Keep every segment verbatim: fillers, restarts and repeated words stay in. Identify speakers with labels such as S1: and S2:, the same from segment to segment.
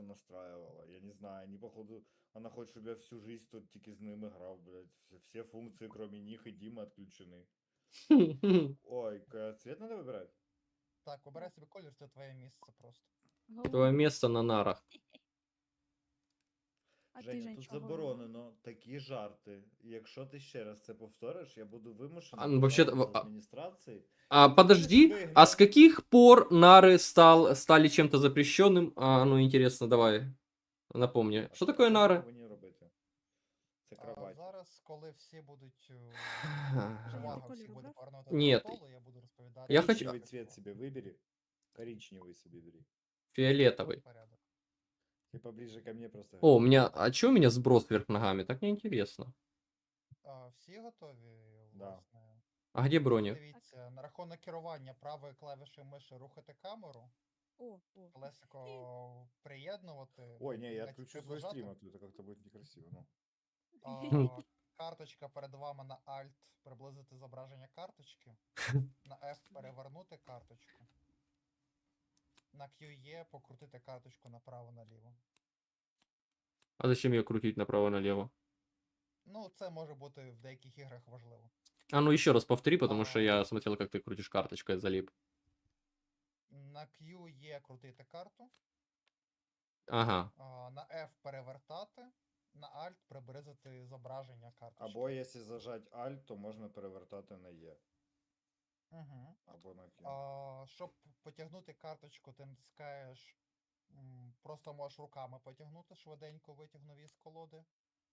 S1: это настраивала. Я не знаю, они походу, она хочет, чтобы я всю жизнь тут тільки з ними грав, блядь. Все, все функции, кроме них и Димы, отключены. Ой, к- цвет надо выбирать?
S2: Так, обирай собі колір, це твоє місце просто.
S3: Твое место на нарах.
S4: А ти,
S1: Женя,
S4: Жень,
S1: тут
S4: чого?
S1: заборонено такі жарти. І якщо ти ще раз це повториш, я буду вимушений
S3: А, ну, вообще-то,
S1: пожалуватися
S3: а-
S1: адміністрації.
S3: А,
S1: Ты
S3: подожди,
S1: будешь
S3: а с
S1: выгнан.
S3: каких пор нары стал, стали чем-то запрещенным? А, ну, интересно, давай, напомни.
S1: А
S3: Что такое
S1: це ми
S3: нары?
S1: повинні робити? Це
S2: А
S1: кровать.
S2: зараз, коли всі будуть е,
S4: Женя,
S2: увага,
S4: ти
S2: всі
S4: колір
S2: буде
S4: обрав?
S2: повернута
S3: Ні.
S2: до столу, я буду розповідати.
S3: Я хочу-
S1: Коричневый
S2: як
S1: цвет
S2: було.
S1: себе выбери. Коричневый себе бери.
S3: Фиолетовый.
S2: От порядок.
S1: Ты поближе ко мне просто.
S3: О, у меня... А чё у меня сброс вверх ногами? Так неинтересно.
S2: А, всі готові,
S1: Да.
S2: власне?
S3: А где броня?
S2: Дивіться, на рахунок керування правою клавішею миші рухати камеру,
S4: О, о.
S2: колесико приєднувати.
S1: Ой, не, я
S2: навіть
S1: отключу свой
S2: приближати.
S1: стрим, а то это как-то будет некрасиво. Ну.
S2: А, карточка перед вами на Alt приблизити зображення карточки. На F перевернути карточку. На Q E покрутити карточку направо-наліво.
S3: А зачем ее крутить направо-налево?
S2: Ну, це може бути в деяких іграх важливо.
S3: А ну еще раз повтори, потому
S2: А.
S3: что я смотрел, как ты крутишь карточкой, залип.
S2: На Q E крутити карту.
S3: Ага.
S2: А, на F перевертати. На Alt приблизити зображення карточки.
S1: Або якщо зажать Alt, то можна перевертати на Е.
S2: Угу.
S1: Або на Q.
S2: А, щоб потягнути карточку, ти натискаєш. м, Просто можеш руками потягнути, швиденько витягнув із колоди.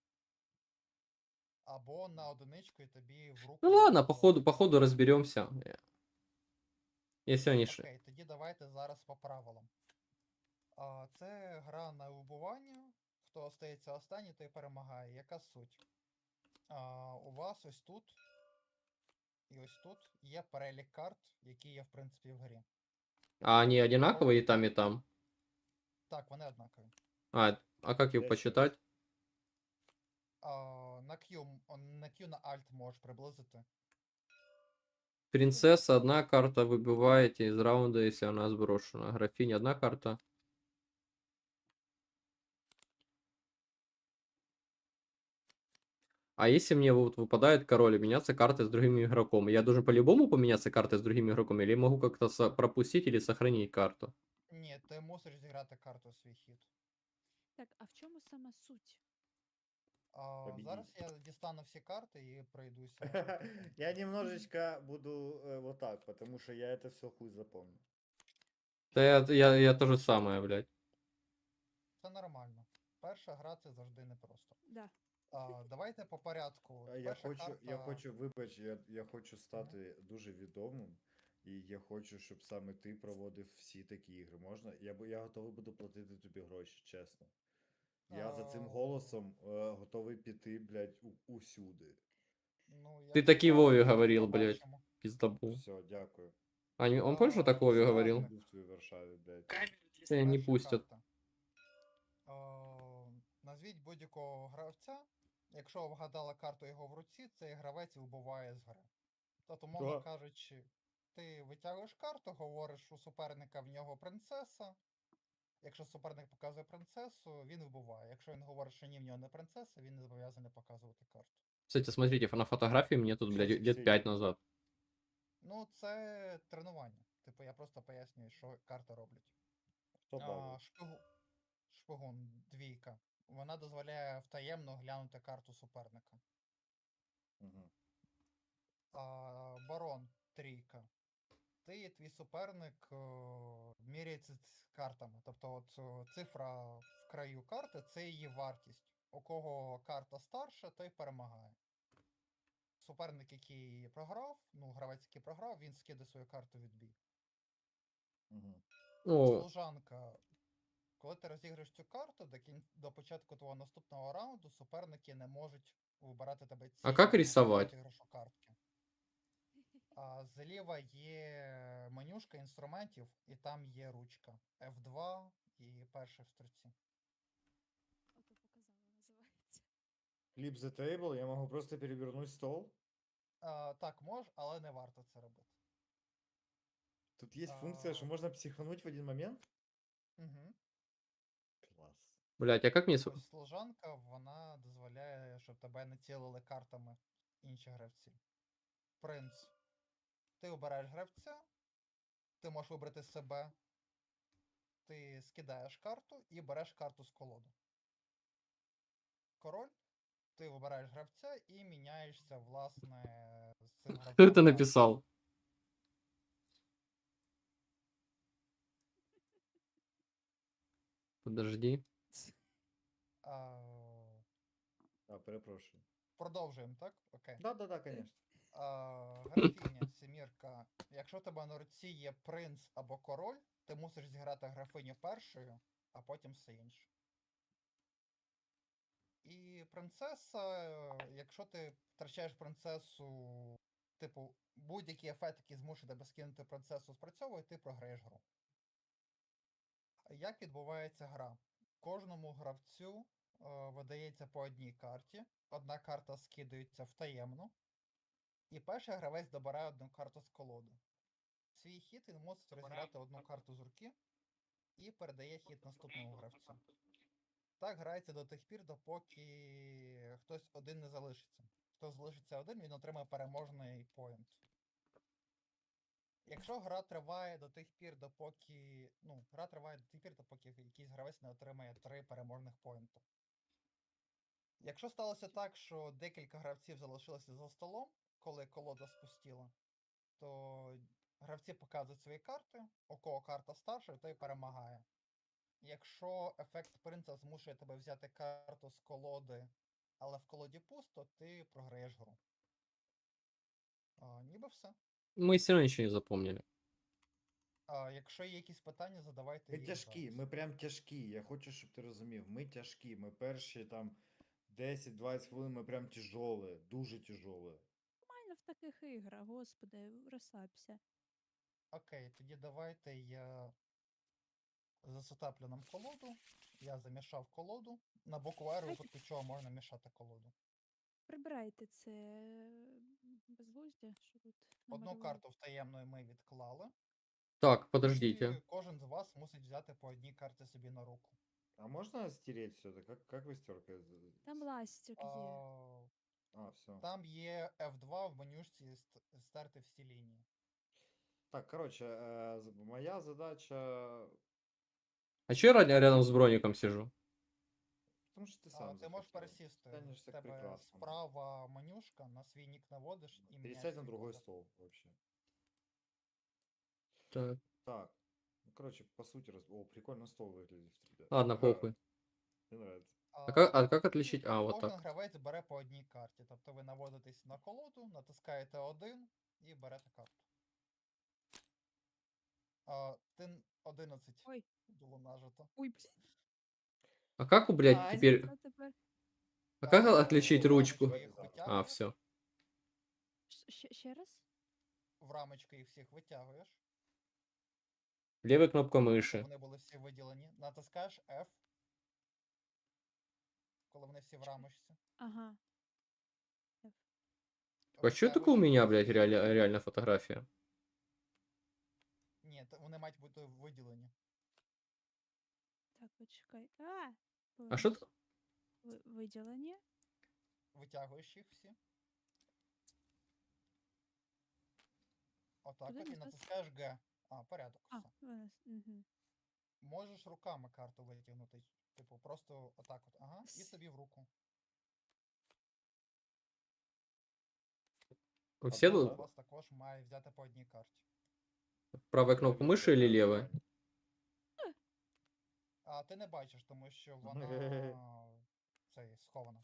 S2: Або на одиничку і тобі в руку.
S3: Ну ладно,
S2: йде
S3: походу,
S2: колода.
S3: походу разберемся. Если они... ш-
S2: Окей, тоді давайте зараз по правилам. А, це гра на вибування. Хто остається останній, той перемагає. Яка суть? А, у вас ось тут і ось тут є перелік карт, які є, в принципі, в грі.
S3: А они одинаковые и там, и там?
S2: Так, вони однакові.
S3: А, а как
S1: Я
S3: их
S1: ще
S3: посчитать?
S2: А, на Q, м- на Q на Alt можеш приблизити.
S3: Принцесса, одна карта, выбиваете из раунда, если она сброшена. Графиня, одна карта. А если мне вот выпадает король и меняться картой с другим игроком, я должен по-любому поменяться картой с другим игроком, или могу как-то со- пропустить или сохранить карту?
S2: Ні, ти мусиш зіграти карту свій хід.
S4: Так, а в чому саме суть?
S2: А,
S1: Победіть.
S2: зараз я дістану всі карти і пройдуся.
S1: Я немножечко буду э, вот так, потому что я это все хуй запомню.
S3: Да я, я, я то же самое, блядь.
S2: Це нормально. Перша гра це завжди непросто.
S4: Да.
S2: А, давайте по порядку.
S1: А Я
S2: Перша
S1: хочу,
S2: карта...
S1: я хочу, вибач, я, я хочу стати дуже відомим, і я хочу, щоб саме ти проводив всі такі ігри. Можна? Я, бу- я готовий буду платити тобі гроші, чесно. Я за цим
S2: А.
S1: голосом е, готовий піти, блядь, у, усюди.
S2: Ну,
S3: Ты
S2: якщо
S3: таки
S2: так,
S3: Вове
S2: то
S3: говорил, блядь.
S2: побачимо.
S3: Пиздобол.
S1: Все, дякую.
S3: А не- он помнишь, что
S2: А,
S3: так Вове
S2: справді.
S3: говорил?
S1: Був в твоїй Варшаві, блядь.
S3: Тебя не
S2: Перша
S3: пустят.
S2: карта. А, назвіть будь-якого гравця. Якщо вгадала карту його в руці, цей гравець вибуває з гри. Тобто, мовно
S1: Да.
S2: кажучи, ти витягуєш карту, говориш у суперника в нього принцеса. Якщо суперник показує принцесу, він вибуває. Якщо він говорить, що ні, в нього не принцеса, він не зобов'язаний показувати карту.
S3: Кстати, смотрите, на фотографии мне тут, блядь,
S1: Щас
S3: лет
S1: все
S3: пять
S1: йдуть.
S3: назад.
S2: Ну, це тренування. Типу, я просто пояснюю, що карти роблять.
S1: Хто
S2: А,
S1: бавив?
S2: шпигу... Шпигун, двійка. Вона дозволяє втаємно глянути карту суперника.
S1: Угу.
S2: А, барон, трійка. Ти і твій суперник о, міряється ц- картами. Тобто от, о, цифра в краю карти це її вартість. У кого карта старша, той перемагає. Суперник, який програв, ну, гравець, який програв, він скиде свою карту від бій.
S1: Угу.
S3: О,
S2: Служанка. Коли ти розіграєш цю карту, до, кін... до початку твого наступного раунду суперники не можуть вибирати тебе
S3: А
S2: цілим
S3: как
S2: до
S3: рисовать?
S2: розіграшу картки. А зліва є менюшка інструментів, і там є ручка. F два і перший в строці.
S4: Ото показала, називається.
S1: Flip the table, я можу просто перевернути стол.
S2: А, так, мож, але не варто це робити.
S1: Тут є
S2: А.
S1: функція, що можна психануть в один момент.
S2: Угу.
S1: Клас.
S3: Блять, а как мне... с-
S2: Ось служанка, вона дозволяє, щоб тебе не цілили картами інші гравці. Принц. Ти обираєш гравця, ти можеш вибрати себе, ти скидаєш карту і береш карту з колоди. Король, ти вибираєш гравця і міняєшся, власне, з цим
S3: Кто
S2: гравцем.
S3: это
S2: картами.
S3: написал? Подожди.
S2: А,
S1: А, перепрошую.
S2: продовжуємо, так? Окей.
S1: Да, да, да, конечно.
S2: А, графіня, сімірка. Якщо в тебе на руці є принц або король, ти мусиш зіграти графиню першою, а потім все інше. І принцеса, е, якщо ти втрачаєш принцесу, типу, будь-який ефект, який змушує тебе скинути принцесу, спрацьовує, ти програєш гру. Як відбувається гра? Кожному гравцю е, видається по одній карті. Одна карта скидається в таємну, і перший гравець добирає одну карту з колоди. Свій хід він мусить розіграти одну карту з руки і передає хід наступному гравцю. Так грається до тих пір, допоки хтось один не залишиться. Хто залишиться один, він отримає переможний поінт. Якщо гра триває до тих пір, допоки. Ну, гра триває до тих пір, допоки якийсь гравець не отримає три переможних поінти. Якщо сталося так, що декілька гравців залишилося за столом, коли колода спустіла, то гравці показують свої карти, у кого карта старша, той перемагає. Якщо ефект принца змушує тебе взяти карту з колоди, але в колоді пусто, ти програєш гру. А, ніби все.
S3: Мы все равно ничего не запомнили.
S2: А, якщо є якісь питання, задавайте
S1: Ми
S2: їх
S1: тяжкі,
S2: зараз.
S1: ми прям тяжкі. Я хочу, щоб ти розумів. Ми тяжкі. Ми перші там десять-двадцять хвилин, ми прям тяжолі, дуже тяжолі.
S4: Нормально в таких іграх, господи, розслабся.
S2: Окей, тоді давайте я засетаплю нам колоду. Я замішав колоду. На букву R, у
S4: Давайте.
S2: випадку чого можна мішати колоду.
S4: Прибирайте це безглуздя, що тут
S2: Одну
S4: намалювали.
S2: карту втаємної ми відклали.
S3: Так, подождите.
S2: І кожен з вас мусить взяти по одній карті собі на руку.
S1: А можна стереть все это? Как, как вы стерка?
S4: Там ластик є.
S2: А,
S1: А, все.
S2: там є F два в менюшці ст- стерти всі лінії.
S1: Так, короче, э, з- моя задача...
S3: А че я ря- рядом с броником сижу?
S1: Потому что ты
S2: А,
S1: сам
S2: ти можеш
S1: захотел.
S2: пересісти.
S1: Тянешься
S2: В
S1: к
S2: тебе
S1: прекрасному.
S2: справа менюшка, на свій нік наводиш і міняєш
S1: Пересядь на
S2: свій
S1: другой
S2: колір.
S1: стол вообще.
S3: Так.
S1: Так. Ну, короче, по сути, раз... О, прикольно стол выглядит, ребят.
S3: Ладно,
S1: Ага,
S3: похуй.
S1: мне нравится.
S3: А как, а как
S2: і
S3: отличить? А, вот
S2: Кожен
S3: так.
S2: гравець бере по одній карті. Тобто ви наводитесь на колоду, натискаєте один і берете карту. А, ти одинадцять
S4: Ой.
S2: було нажито.
S4: Ой,
S3: А как, блядь,
S1: Ай.
S3: теперь...
S4: а тепер
S3: А как
S2: А,
S3: отличить
S2: в
S3: ручку?
S2: рамочку їх
S1: А,
S3: А,
S2: витягуєш,
S3: все.
S4: Щ- ще, ще раз?
S2: в рамочку їх всіх витягуєш,
S3: Левая кнопка
S2: щоб
S3: мыши.
S2: вони були всі виділені. Натискаєш F, коли вони всі в рамочці.
S4: Ага.
S3: А что такое у
S2: Витягуєш
S3: меня,
S2: їх
S3: блядь,
S2: всіх.
S3: реально, реально фотография?
S2: Ні, то вони мають бути виділені.
S4: Так, почекай. А!
S3: А что
S4: Повернись. Ви- Виділення.
S2: Витягуєш їх всі. Отак
S4: Куди
S2: от і
S4: назад?
S2: натискаєш G. А, порядок.
S4: А,
S2: Все.
S4: вона. Угу.
S2: Можеш руками карту витягнути. Типу, просто отак от. Ага. І собі в руку.
S3: Вы все
S1: Одна,
S2: У
S3: тут?
S2: вас також має взяти по одній карті.
S3: Правая кнопка мыши или левая?
S2: А ти не бачиш, тому що вона цей схована.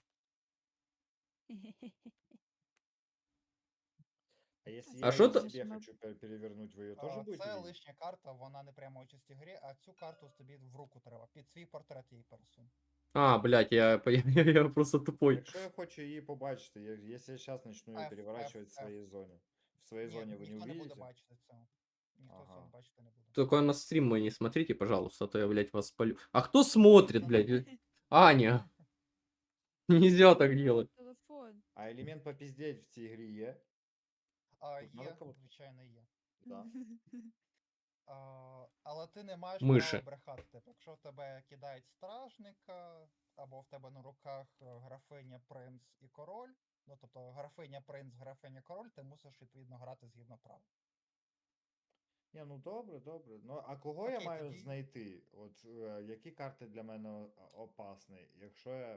S1: А если
S3: А
S1: я
S3: что
S1: ее
S3: то-
S1: себе
S4: Нажимаю.
S1: хочу пер- перевернуть, вы ее тоже
S2: А,
S1: будете
S2: це
S1: видеть?
S2: лишня карта, вона не прямо участі в грі, а цю карту тобі в руку треба. Під свій портрет її пересунь.
S3: А, блядь, я, я, я просто тупой.
S1: Якщо я хочу її побачити, я- якщо я сейчас начну ее
S2: F,
S1: переворачивать
S2: F,
S1: в своей
S2: F.
S1: зоне, в своей
S2: Ні,
S1: зоне вы не
S2: ніхто не буде
S1: увидите?
S2: бачити цього. Ніхто
S1: Ага.
S2: цього бачити не буде.
S3: Только на стрим мой не смотрите, пожалуйста, а то я, блядь, вас спалю. А кто смотрит, блядь? Аня. Нельзя так делать.
S4: Телефон.
S1: А элемент попиздеть в цій грі є?
S2: А
S1: Тут надо
S2: є,
S1: кого-то?
S2: звичайно, є.
S1: Да.
S2: А, але ти не маєш
S3: Миші.
S2: права брехати. Типу, якщо в тебе кидають стражника, або в тебе на руках е, графиня, принц і король, ну тобто графиня, принц, графиня, король, ти мусиш відповідно грати згідно правил.
S1: Ні, ну добре, добре. Ну, а кого я
S2: Окей,
S1: маю
S2: тоді-
S1: знайти? От е, які карти для мене о- опасні, якщо я.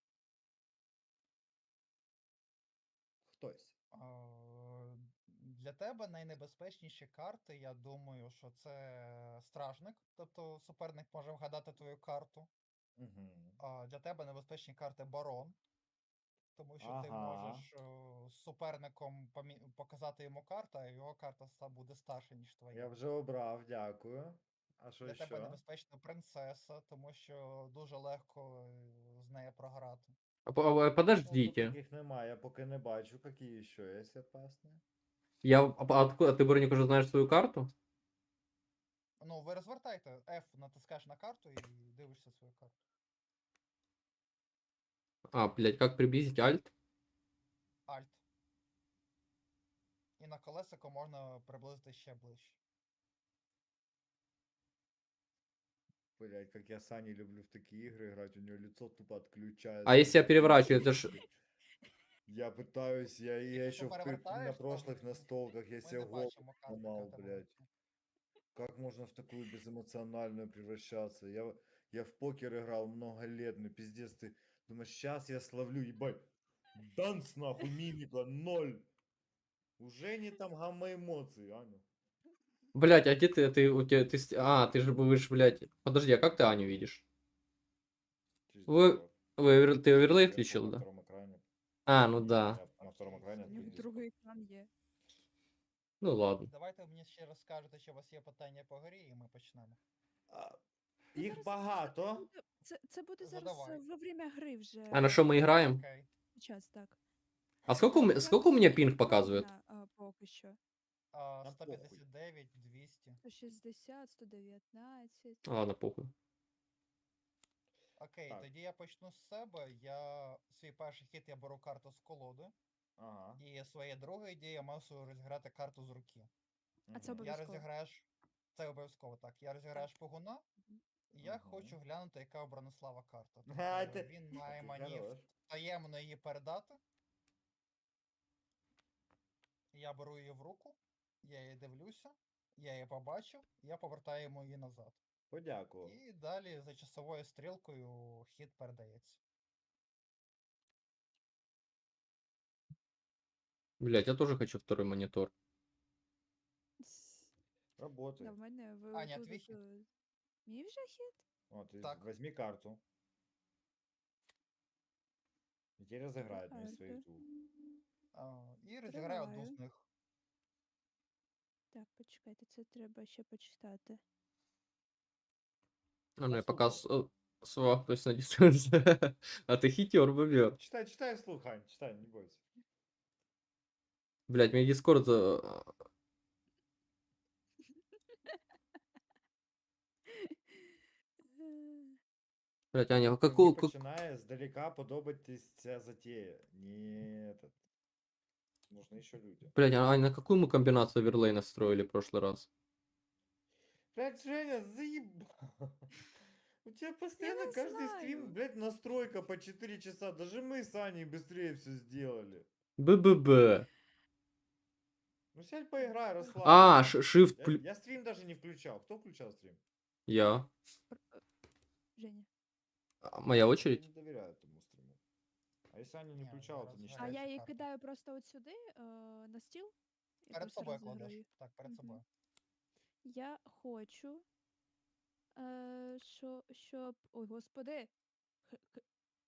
S1: Хтось.
S2: А, Для тебе найнебезпечніші карти, я думаю, що це стражник, тобто суперник може вгадати твою карту.
S1: Угу.
S2: А для тебе небезпечні карти барон, тому що ти
S1: Ага.
S2: можеш е, з суперником помі- показати йому карту, а його карта ста- буде старша, ніж твоя.
S1: Я вже обрав, дякую. А що
S2: Для тебе
S1: ще?
S2: небезпечна принцеса, тому що дуже легко е, з нею програти.
S3: А по- а,
S1: Ну, тут
S3: Подождите.
S1: таких немає, я поки не бачу, які ще є опасні.
S3: Я, а, а откуда, ты, Броник, уже знаешь свою карту?
S2: Ну, ви розвертайте F, натискаєш на карту і дивишся свою карту.
S3: А, блядь, как приблизить альт?
S2: Alt. І на колесико можна приблизити ще ближче.
S1: Блять, как я с Аней люблю в такие игры играть, у нее лицо тупо отключается.
S3: А если я
S1: блядь,
S3: переворачиваю, это
S1: ничего
S3: ж...
S1: себе. Я пытаюсь, я, я
S2: Если
S1: еще
S2: ты
S1: в, пр- на
S2: перевертаешь, то
S1: прошлых
S2: мы-
S1: настолках, я
S2: Ми
S1: себе
S2: не
S1: голову
S2: бачимо карти,
S1: сломал,
S2: яка тебе
S1: блядь.
S2: вийшла.
S1: Как можно в такую безэмоциональную превращаться? Я, я в покер играл много лет, ну пиздец, ты думаешь, сейчас я словлю, ебать. Данс нахуй, мимика, ноль. Уже не там гамма эмоций, Аня.
S3: Блядь, а где ты, ты, у тебя, ты, с- а, ты же будешь, блядь... Подожди, а как ты Аню видишь?
S1: Через
S3: Вы-
S1: Discord.
S3: Вы, овер- ты оверлей
S1: Я
S3: включил,
S1: на
S3: да?
S1: втором экране.
S3: А, ну
S1: Не,
S3: да.
S1: я на втором экране
S4: У
S1: открыл
S4: нього
S1: Discord.
S4: другий екран є.
S3: Ну ладно.
S2: Давайте ви мені ще розкажете, що у вас є питання по грі, і ми почнемо.
S1: А,
S4: Та
S1: Їх
S4: зараз-
S1: багато.
S4: Це буде, це, це буде зараз
S2: Задавай.
S4: е, во время гри вже.
S3: А на что мы играем?
S2: Окей.
S4: Час, так.
S3: А сколько, у ме-
S4: Я
S3: сколько у меня
S4: не
S3: пинг показывает?
S4: впевнена, а, поки що.
S2: А,
S1: Нам
S2: сто
S1: похуй.
S2: п'ятдесят дев'ять, двісті.
S4: сто шістдесят, сто дев'ятнадцять.
S3: Ладно, похуй.
S2: Окей,
S1: Так.
S2: тоді я почну з себе. Я свій перший хід я беру карту з колоди.
S1: Ага.
S2: І своє друге дія я мусу розіграти карту з руки.
S4: А це
S1: мгм.
S2: Я
S4: обов'язково.
S2: розіграєш. Це обов'язково так. Я розіграю шпигуна. І я
S1: Мгм.
S2: хочу глянути, яка у Бронислава карта.
S1: Ха,
S2: Тобто
S1: ти-
S2: він має
S1: ти
S2: мені
S1: хорош.
S2: таємно її передати. Я беру її в руку, я її дивлюся, я її побачив, я повертаю йому її назад.
S1: Подякував.
S2: І далі за часовою стрілкою хід передається.
S3: Блядь, я тоже хочу второй монитор.
S1: Работай.
S4: Да, в мене ви
S2: Аня,
S4: тут
S2: твій
S4: от,
S2: хід?
S4: е, Мій вже хід?
S1: О, ты
S2: Так.
S1: возьми карту. И теперь разыграет мне
S4: Карта.
S1: свою ту.
S2: А, і розіграю одну
S4: Триваю.
S2: з них.
S4: Так, почекайте, це треба ще почитати.
S3: А ну я
S1: Послушай.
S3: пока с- э, свапнусь на дистанции. А ты хитер, бобер.
S1: Читай, читай вслух, Ань, читай, не бойся.
S3: Блядь, мне дискорд... за- Блядь, Аня, а
S1: Мені
S3: какую... как-
S1: починає здалека подобатись ця затея. Не этот. Нужны еще люди.
S3: Блядь, а Аня, на какую мы комбинацию оверлей настроили в прошлый раз?
S1: Блядь, Женя, заебал. У тебя постоянно
S4: не
S1: каждый
S4: знаю.
S1: стрим, блядь, настройка по четыре часа. Даже мы с Аней быстрее все сделали.
S3: БББ.
S1: Ну сядь поиграй, расслабься.
S3: А, ш- shift...
S1: Я,
S3: плю-
S1: я стрим даже не включал. Кто включал стрим?
S3: Я.
S4: Женя.
S3: А, Моя
S1: Я
S3: очередь?
S1: не доверяю этому стриму. А если Аня не
S2: Не,
S1: включала,
S2: я
S1: то не
S2: раз-
S4: А
S1: считается.
S4: я її
S2: карта.
S4: кидаю просто от сюди, е, на стіл. і
S2: Перед
S4: просто
S2: собою
S4: розіграю
S2: кладеш.
S4: їх.
S2: Так, перед
S4: Мгм.
S2: собою.
S4: Я хочу, е, що, щоб. Ой, господи. Х- х-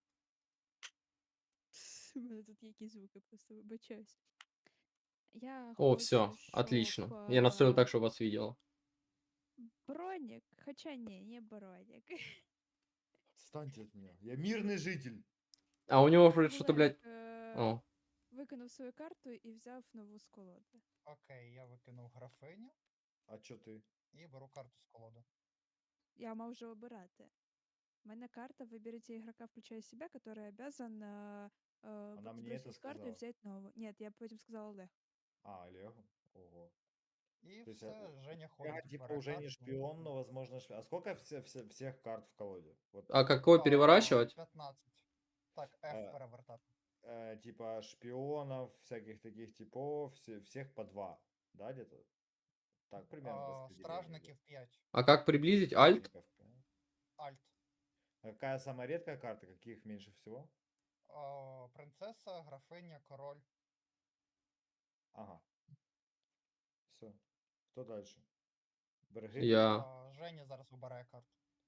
S4: У мене тут є якісь звуки, просто вибачаюсь. Я
S3: О,
S4: хочу,
S3: все,
S4: щоб,
S3: отлично. Я настроил
S4: е,
S3: так, чтобы вас видела.
S4: Бронік, хоча ні, не бронік.
S1: Отстаньте от меня. Я мирный житель.
S3: А у него вроде что-то, блядь...
S4: Олег, е,
S3: О,
S4: викинув свою карту і взяв нову з колоди.
S2: Окей, я викинув графиню
S1: А чё ты?
S2: і беру карту з колоди.
S4: Я мав вже обирати. У мене карта «Выберите игрока, включая себя, который обязан э, э,
S1: Она мне
S4: сбросить
S1: это
S4: с карты и
S1: сказала.
S4: взять новую». Нет, я потім сказала Олег.
S1: А, Олегу? Ого.
S2: І
S1: То есть, а,
S2: все, Женя
S1: я
S2: ходить,
S1: типа
S2: бере
S1: уже не
S2: карту.
S1: шпион, но возможно шпион. А сколько все, все- всех карт в колоде? Вот,
S3: А какой
S2: А,
S3: переворачивать?
S2: п'ятнадцять. Так, F
S1: э,
S2: перевертати.
S1: э, типа шпионов, всяких таких типов, все, всех по два, да, где-то? Так примерно
S2: А,
S1: распределение идет.
S2: Стражників п'ять.
S3: А как приблизить? Альт?
S1: Стражников пять.
S2: Альт.
S1: А какая самая редкая карта? Каких меньше всего?
S2: А, принцеса, графиня, король.
S1: Ага. Все. Кто дальше? Береги?
S3: Я.
S2: А, Женя зараз вибирає карту.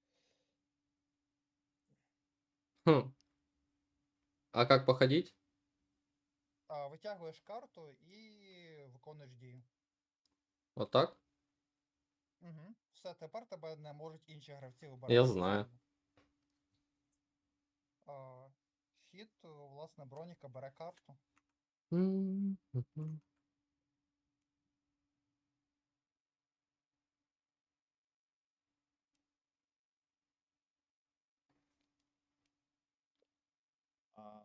S3: Хм. А как походить?
S2: А, витягуєш карту і виконуєш дію.
S3: Вот так?
S2: Угу. Все, тепер тебе не можуть інші гравці вибирати.
S3: Я знаю.
S2: А, хід, власне, Броніка бере карту.
S3: М, мгм.
S1: А,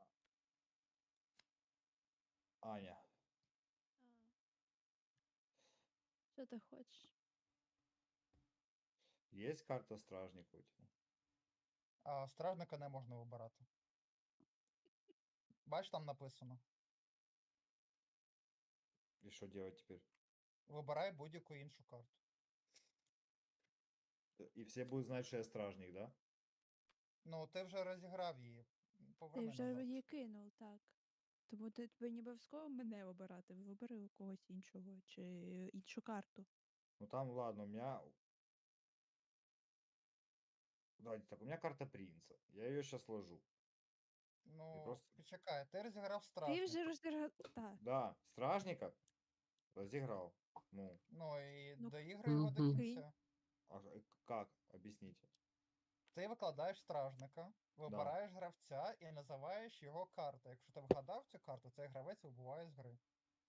S1: Аня.
S4: Що ти хочеш?
S1: Есть карта стражника у тебя?
S2: А, стражника не можна вибирати. Бач, там написано.
S1: И что делать теперь?
S2: Вибирай будь-яку іншу карту.
S1: И все будут знать, что я стражник, да?
S2: Ну, ти вже розіграв її.
S4: Ти
S2: Поверни
S4: вже
S2: назад.
S4: її кинув, так. Тому ти тобі не обов'язково мене обирати. Вибери у когось іншого чи іншу карту.
S1: Ну там, ладно, у меня... Давайте так, у меня карта принца. Я ее сейчас ложу.
S2: Ну,
S1: просто-
S2: почекай, ти розіграв
S4: Ти
S2: стражника.
S4: вже розіграв. Так.
S1: Да, стражника разыграл. Ну,
S2: Ну і
S4: Ну,
S2: доіграй його до
S3: мгм.
S2: кінця.
S1: а э, как? Объясните.
S2: Ти викладаєш стражника, вибираєш гравця і називаєш його карту. Якщо ти вгадав цю карту, цей гравець вибуває з гри.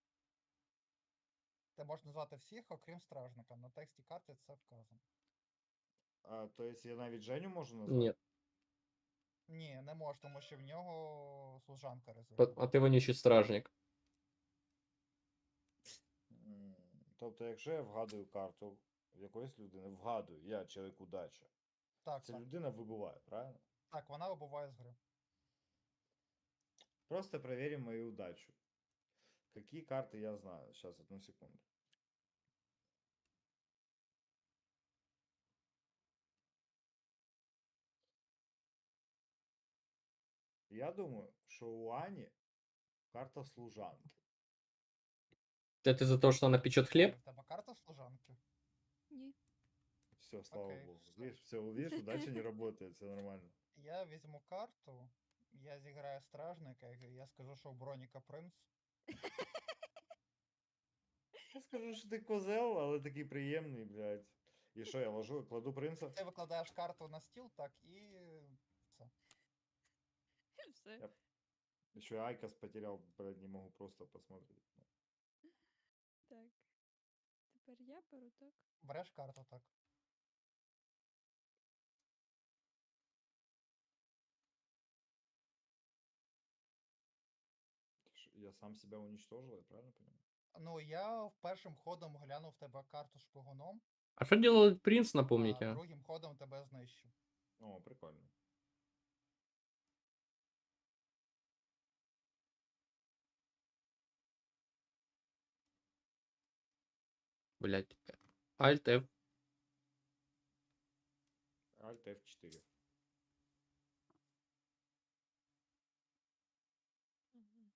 S2: Ти можеш назвати всіх, окрім стражника. На тексті карти це вказано.
S1: А, то есть я навіть Женю можу назвати?
S3: Нет.
S2: Ні, не можеш, тому що в нього служанка
S3: По-
S2: розіграна.
S3: А ты вонючий стражник.
S1: М, Тобто, якщо я вгадую карту якоїсь людини, вгадую, я чоловік удача.
S2: Так,
S1: Ця
S2: так.
S1: людина вибуває, правильно?
S2: Так, вона вибуває з гри.
S1: Просто проверим мою удачу. Какие карты я знаю? Сейчас, одну секунду. Я думаю, что у Ани карта служанки.
S3: Это за то, что она печет хлеб?
S2: Аня, в тебе карта служанки?
S4: Ні.
S1: Все, слава
S2: Окей,
S1: богу.
S2: все.
S1: Видишь, все, видишь, удача не работает, все нормально.
S2: Я візьму карту, я зіграю стражника, і я скажу, що у Броніка принц.
S1: Я скажу, що ти козел, але такий приємний, блядь. І що, я ложу, кладу принца?
S2: Ти викладаєш карту на стіл, так, і все.
S4: Все.
S1: Я еще Айкос потерял, блядь, не могу просто посмотреть.
S4: Так. Тепер я беру, так?
S2: Береш карту, так.
S1: Ш- Я сам себя уничтожил, я правильно понимаю?
S2: Ну, я першим ходом глянув в тебе карту шпигуном,
S3: А что делал принц,
S2: а
S3: напомните? а?
S2: другим ходом тебе знищив.
S1: О, прикольно.
S3: Блять. Альт F.
S1: Альт эф четыре.
S4: Ага.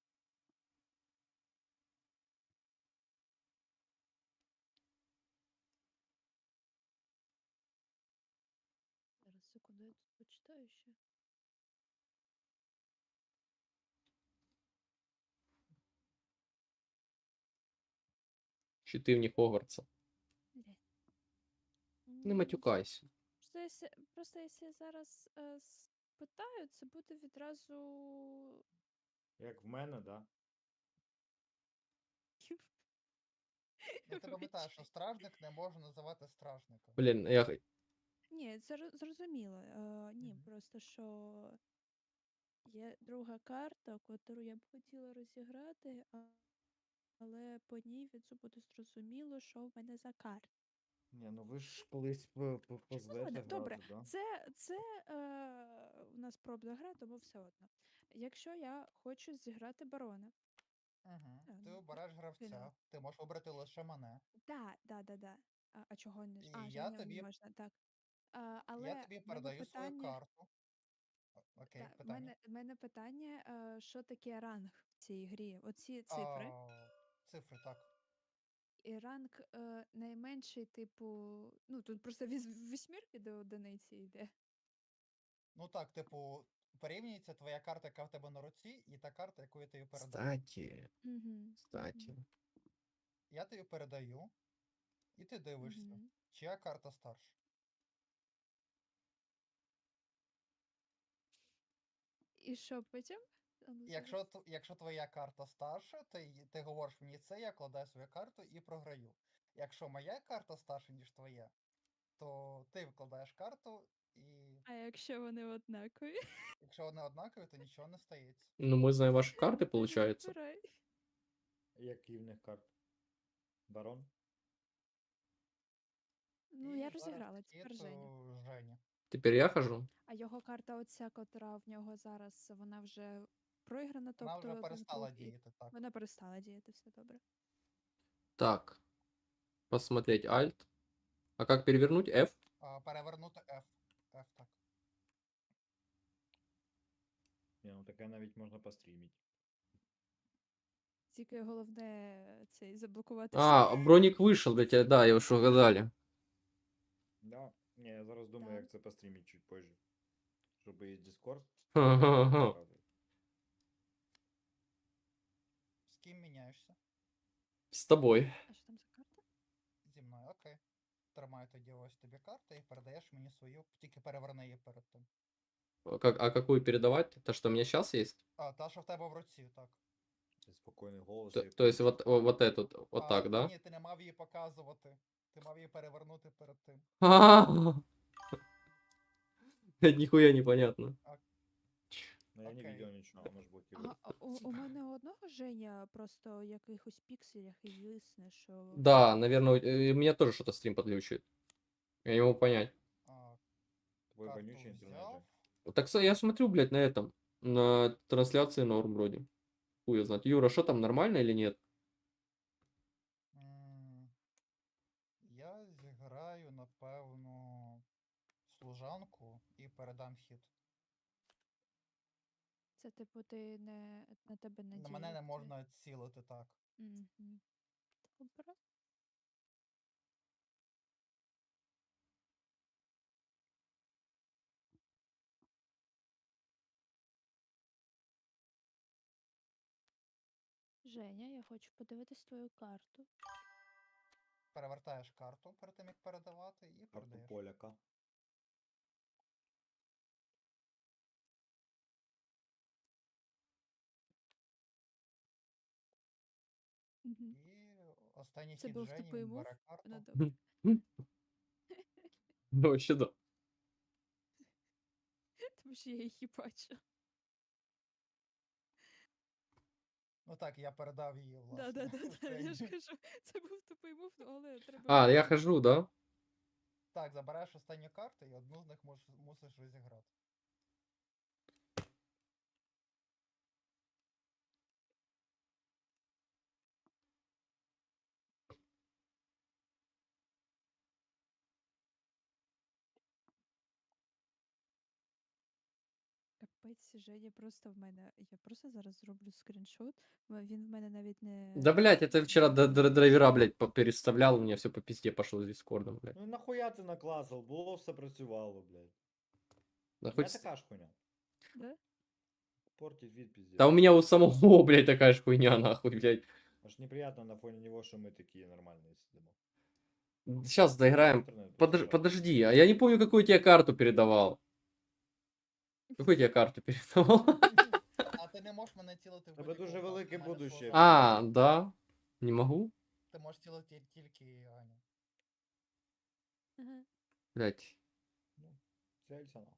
S4: Зараз, секунду, я тут почитаю ще.
S3: Щитивні Хогвартса.
S4: Блядь.
S3: Не
S4: М,
S3: матюкайся.
S4: Просто якщо, просто якщо я зараз е, спитаю, це буде відразу.
S1: Як в мене, да?
S2: Ну, ти пам'ятаєш, що стражник не може називати стражника.
S3: Блін, я. х-
S4: Ні, це ро- зрозуміло. Е, ні,
S2: Мгм.
S4: просто що є друга карта, яку я б хотіла розіграти, а, але по ній відразу буде зрозуміло, що в мене за карта.
S1: Ні, ну ви ж колись по- по-
S4: Ну
S1: позвете
S4: ладно, добре,
S1: грати, да?
S4: це, це е, у нас пробна гра, тому все одно. Якщо я хочу зіграти барона.
S2: Угу.
S4: Е,
S2: Ти
S4: ну,
S2: обереш
S4: фінал.
S2: гравця, ти можеш обрати лише мене.
S4: Да, да, да, да. А, а чого не ж?
S2: І
S4: А,
S2: я
S4: Женя не
S2: тобі,
S4: можна, так. А,
S2: я
S4: але
S2: тобі
S4: в мене
S2: передаю свою
S4: питання.
S2: карту. О- Окей,
S4: Так, в
S2: питання.
S4: мене, в мене питання, е, що таке ранг в цій грі? Оці цифри.
S2: А, цифри, так.
S4: І ранг е, найменший, типу, ну тут просто від восьмірки до одиниці йде.
S2: Ну так, типу, порівнюється твоя карта, яка в тебе на руці, і та карта, яку я тобі передаю.
S3: Кстати,
S4: Угу.
S3: кстати.
S2: Я тобі передаю, і ти дивишся,
S4: Угу.
S2: чия карта старша.
S4: І що потім? А ну,
S2: Якщо,
S4: зараз.
S2: т- якщо твоя карта старша, ти, й- ти говориш мені це, я кладаю свою карту і програю. Якщо моя карта старша, ніж твоя, то ти викладаєш карту, і
S4: А якщо вони однакові?
S2: якщо вони однакові, то нічого не стається.
S3: Ну, мы знаем ваши карты,
S4: Тоді
S3: получается.
S4: збирай.
S1: Які в них карти? Барон?
S4: Ну,
S2: І
S4: я
S2: зараз
S4: розіграла,
S2: хід
S4: тепер Женя.
S2: у Жені.
S3: Теперь я хожу.
S4: А його карта, оця, котра в нього зараз, вона вже проіграна,
S2: Вона
S4: тобто
S2: вже
S4: був
S2: перестала
S4: друг і
S2: діяти, так.
S4: вона перестала діяти, все добре.
S3: Так. Посмотреть Alt. А как перевернуть? F?
S2: А, перевернути F. F, так.
S1: Ні, ну таке навіть можна пострімити.
S4: Тільки головне е, цей заблокувати
S3: А, броник вышел, блядь, да, я уж угадали.
S1: Да. Ні, я зараз думаю,
S4: Да.
S1: як це пострімити чуть позже. Щоб і Discord.
S3: Ага.
S2: З ким міняєшся?
S3: С тобой.
S4: А що там за карта?
S2: Зі мною, окей. Тримаю тоді ось тобі карту і передаєш мені свою, тільки переверни її перед тим.
S3: А Как, а какую передавать? То, что у меня сейчас есть?
S2: А, та, що в тебе в руці, так.
S1: Це спокійний голос.
S3: То,
S1: я
S3: то есть
S1: помню.
S3: вот, о- вот эту, вот
S2: а,
S3: так, да?
S2: Ні, ти не мав її показувати. Ти мав її перевернути перед тим.
S3: Блядь, нихуя непонятно.
S1: Ну я не
S2: окей.
S1: видел нічого, воно ж блокирує.
S4: А, а у, у мене у одного Женя просто в якихось пікселях і висне, що.
S3: Да, наверное, у у меня тоже что-то стрим подглючивает. Я не могу понять.
S2: А,
S1: Твой
S2: карту
S1: вонючий інтернет.
S2: взяв.
S1: же.
S3: Так с- я смотрю, блядь, на этом. На трансляции норм вроде. Хуй его знает. Юра, что там, нормально или нет?
S2: М, Я зіграю, напевно, служанку і передам хід.
S4: Це типу ти не на тебе не
S2: На мене не
S4: діє
S2: можна цілити так.
S4: Угу. Добре. Женя, я хочу подивитись твою карту.
S2: Перевертаєш карту перед тим, як передавати, і
S1: Карту
S2: передаєш.
S1: поляка.
S4: Угу.
S2: І останній
S4: Це
S2: хід
S4: був
S2: Жені,
S4: тупий
S2: він
S4: мув?
S2: бере карту.
S4: Ну добре.
S3: Ну, вообще да.
S4: Тому що я її бачу.
S2: Ну так, я передав її,
S4: Да,
S2: власне.
S4: да, да, да. Я ж
S2: Жені.
S4: кажу, це був тупий мув, ну, але треба.
S3: А, я
S4: було-
S3: хожу, да?
S2: Так, забираєш останню карту і одну з них мус- мусиш розіграти.
S4: Капець, Женя просто в мене. Я просто зараз зроблю скріншот. м, Він в мене навіть не.
S3: Да, блядь, это вчера д- д- драйвера, блядь, по- переставлял, у меня все по пизде пошло с дискордом, блядь.
S1: Ну нахуя ти накласив? Було все працювало, блядь.
S3: Да,
S1: У мене
S3: хоть... с-
S1: така ж хуйня.
S4: Да?
S1: Портить вид пиздец.
S3: да у меня у самого, блядь, такая ж хуйня, нахуй, блядь.
S1: Аж неприятно на фоне него, что мы такие нормальные сидим.
S3: Сейчас доиграем.
S1: Интернет
S3: Подож-
S1: просто
S3: подожди, а я не помню, какую тебе карту передавал. Какую тебе карту передавал?
S2: А ти не можеш мене цілити в
S1: Тебе
S2: будь-якого
S1: дуже
S2: боку,
S1: велике
S2: в мене
S1: будуще.
S2: служанка.
S3: А, да? Не могу?
S2: Ти можеш цілити тільки Аню.
S4: Ага.
S3: Блядь,
S1: Ну, целься нахуй.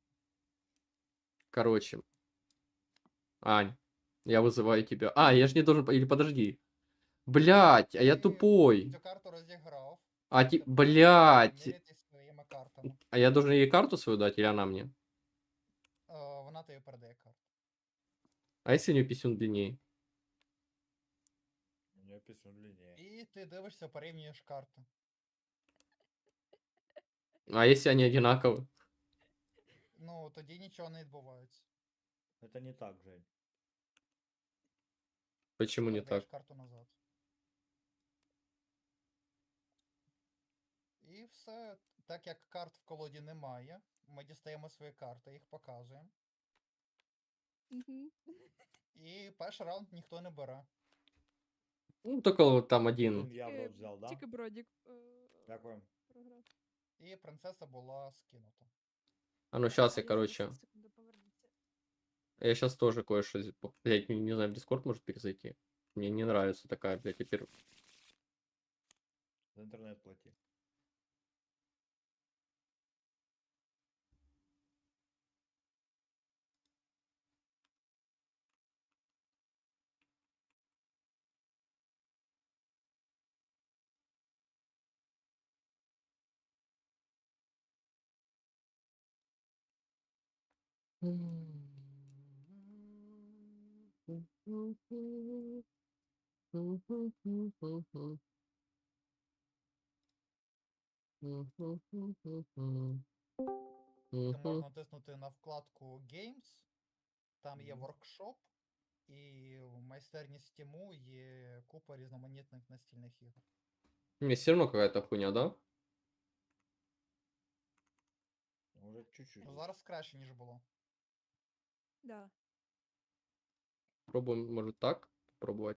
S3: короче. Ань, я вызываю тебя. А, я же не должен... по- Или подожди. Блять, а я
S2: Ти
S3: тупой.
S2: Цю карту розіграв.
S3: А ті...
S2: Тепер
S3: Блять.
S2: міряйтесь своїми картами.
S3: А я должен ей карту свою дать, или она мне?
S2: Е, Вона тобі передає карту.
S3: А если у нее писюн длиннее?
S1: У меня писюн длиннее.
S2: І ти дивишся, порівнюєш карти.
S3: А если они одинаковы?
S2: Ну, тоді нічого не відбувається.
S1: Это не так, Жень.
S3: Почему не
S2: Передаєш
S3: так?
S2: карту назад. І все. Так як карт в колоді немає, ми дістаємо свої карти, їх показуємо.
S4: Мгм.
S2: І перший раунд ніхто не бере.
S3: Ну, только вот там один.
S1: Один я в
S4: Тільки-
S1: рот взял, да?
S4: Тільки Бродік е,
S1: Дякую.
S4: програв.
S2: І принцеса була скинута.
S3: А ну сейчас я,
S4: А,
S3: короче,
S4: зараз, секунду, поверніться.
S3: я сейчас тоже кое-что, зи- по- блядь, не, не знаю, в Дискорд может перезайти. Мне не нравится такая, блядь, теперь.
S1: За интернет плати.
S2: Ти можна натиснути на вкладку Games, там є
S1: Мгм.
S2: воркшоп, і в майстерні Стіму є купа різноманітних настільних ігор.
S3: Мне все равно какая-то хуйня, да?
S1: Уже чуть-чуть.
S2: Ну, зараз краще, ніж було.
S4: Да.
S3: Пробуем, может, так? Попробовать.